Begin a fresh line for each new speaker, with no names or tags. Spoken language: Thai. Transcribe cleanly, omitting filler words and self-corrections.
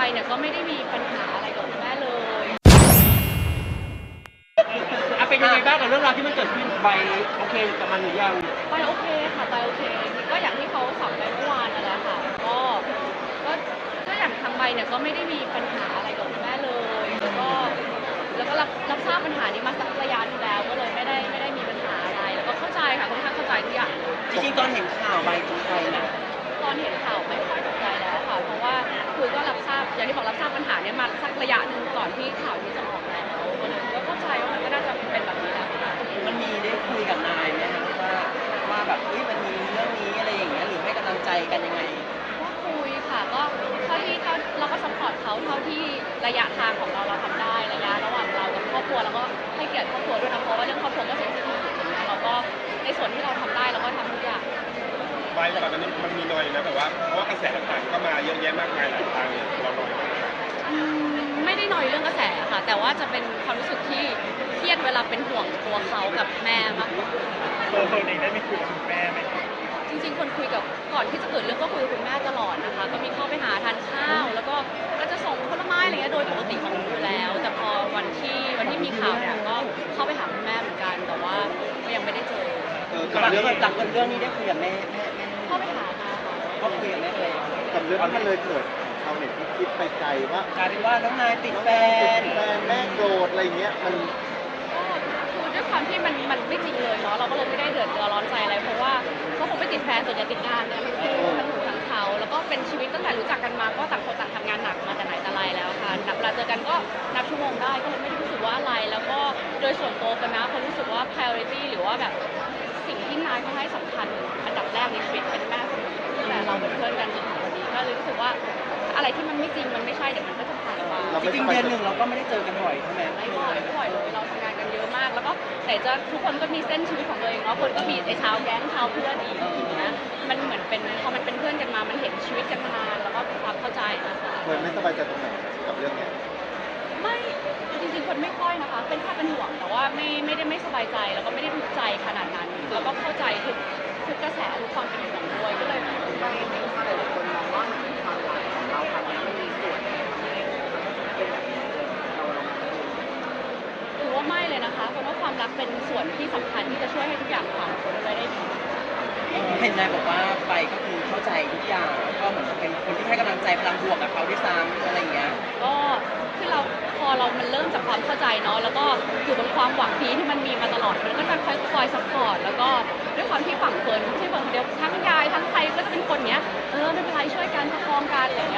เนี่ยก็ไม่ได้มีปัญหาอะไรกับคุณแม่เลย
เป็นยังไงบ้างกับเรื่องราวที่มันเกิดขึ้นใบโอเคกับมันหรือยัง
ไปโอเคค่ะไปโอเคก็อย่างที่เขาสัมไปเมื่อวานนั่นแหละค่ะก็ก็อย่างทางใบเนี่ยก็ไม่ได้มีปัญหาอะไรกับคุณแม่เลยแล้วก็รับทราบปัญหานี้มาสักระยะหนึงแล้วก็เลยไม่ได้มีปัญหาอะไรแล้วก็เข้าใจค่ะค่อนข้างเข้าใจทุกอย่าง
จริงๆตอนเห็นข่าวใบตกใจนะ
ตอนเห็นข่าวไม่ค่อยตกใจแล้วค่ะเพราะว่าคือก็รับทราบอย่างที่บอกรับทราบปัญหาเนี่ยมาสักระยะหนึ่งก่อนที่ข่าวนี้จะออกแล้วก็เข้าใจว่ามันก็น่าจะเป็นแบบนี้แหละค่ะ
มันมีได้คุยกับนายไหมคะว่าแบบมันมีเรื่องนี้อะไรอย่างเงี้ยหรือให้กำลังใจกันยังไง
ก็คุยค่ะก็เท่าที่เราก็ซัพพอร์ตเขาเท่าที่ระยะทางของเราทำได้ระยะระหว่างเรากับครอบครัวเราก็ให้เกียรติครอบครัวด้วยนะเพราะว่าเรื่องครอบครัวก็เซนซิทีฟอย่างเงี้ยเราก็ในส่วนที่เราทำได้เราก็ทำทุกอย่าง
ไปก่อนอันนี้มันมีหน่อยนะแบบว่าเพราะว่ากระแสต่างๆก็มาเยอะแยะมากมายหลายทางเนี่ยเราหน่อยมาก
ไม่ได้หน่อยเรื่องกระแสค่ะแต่ว่าจะเป็นความรู้สึกที่เครียดเวลาเป็นห่วงตัวเขากับแม่มากกว่า
ตัวเองได้ไม่คุยกับคุณแม่ไหม
จริงๆคนคุยกับก่อนที่จะเกิดเรื่องก็คุยกับคุณแม่ตลอดนะคะก็มีเข้าไปหาทานข้าวแล้วก็จะส่งผลไม้อะไรเงี้ยโดยปกติของหนูอยู่แล้วแต่พอวันที่มีข่าวเนี่ยก็เข้าไปหาคุณแม่เหมือนกันแต่ว่าก็ยังไม่ได้เจอ
กับเรื่องนี้ได้คุยกับแม่
เข้าไปหาค่ะ
ก็คุยกับแม่เลย
กับเรื่องที่มันเลยเกิดชาวเน็ตที่คิดไปไกลว่าก
ลายเป็นว่าน้องนายติดแฟน
แม่โกรธอะไรเงี้ยมัน
คือด้วยความที่มันไม่จริงเลยเนาะเราก็เลยไม่ได้เดือดร้อนใจอะไรเพราะว่าเขาคงไม่ติดแฟนส่วนใหญ่ติดงานเนี่ยมันคือทั้งหนูทั้งเขาแล้วก็เป็นชีวิตตั้งแต่รู้จักกันมาก็ต่างคนต่างทำงานหนักมาแต่ไหนแต่ไรแล้วค่ะเวลาเจอกันก็นับชั่วโมงได้ก็เลยไม่ได้รู้สึกว่าอะไรแล้วก็โดยส่วนตัวกันนะเขารู้สึกว่า priority หรือว่าแบบสิ่งที่นายเขาให้สำคัญอันดับแรกในชีวิตเป็นแม่เสมอแต่เราเป็นเพื่อนกันจนถึงวันนี้ก็เลยรู้สึกว่าอะไรที่มันไม่จริงมันไม่ใช่เดี๋ยวมันก็จะผ่านไป
จริงๆเดือนหนึ่งเราก็ไม่ได้เจอกันบ่อยใช่ไหม
ไม่บ่อยเลยเราทำงานกันเยอะมากแล้วก็แต่จะทุกคนก็มีเส้นชีวิตของตัวเองเนาะคนก็มีไอ้เช้าแก๊งเช้าเพื่อนอีกอย่างเงี้ยมันเหมือนเป็นพอมันเป็นเพื่อนกันมามันเห็นชีวิตกันมานานแล้วก็ความเข้าใจนะคะ
คนไม่สบายใจตรงไหนกับเรื่องเนี้ย
ไม่จริงๆคนไม่ค่อยนะคะเป็นแค่เป็นห่วงแต่ว่าไม่ได้ไม่สบายใจแล้วก็ไม่ได้ทุกข์ใจขนาดนั้นแล้วก็เข้าใจทุกกระแสทุกความเป็นห่วงด้วยก็เลยไม่หลายคนมองว่าความรักของเราครั้งนี้มันมีส่วนเป็นแบบนี้ถือว่าไม่เลยนะคะเพราะว่าความรักเป็นส่วนที่สำคัญที่จะช่วยให้ทุกอย่างผ่านพ้นไปได้ดี
เห็นนายบอกว่าไปก็คือเข้าใจทุกอย่างก็เหมือนเป็นคนที่ให้กำลังใจพลังบวกกับเขาด้วยซ้ำอะไรอย่างเงี้ย
ก็คือพอเรามันเริ่มจากความเข้าใจเนาะแล้วก็อยู่บนความหวังดีที่มันมีมาตลอดมันก็จะคอยซัพพอร์ตแล้วก็ด้วยความที่ฝั่งเฟิร์นที่เฟิร์นคนเดียวทั้งยายทั้งใครก็จะเป็นคนเนี้ยไม่เป็นไรช่วยกันประคองกันอะไร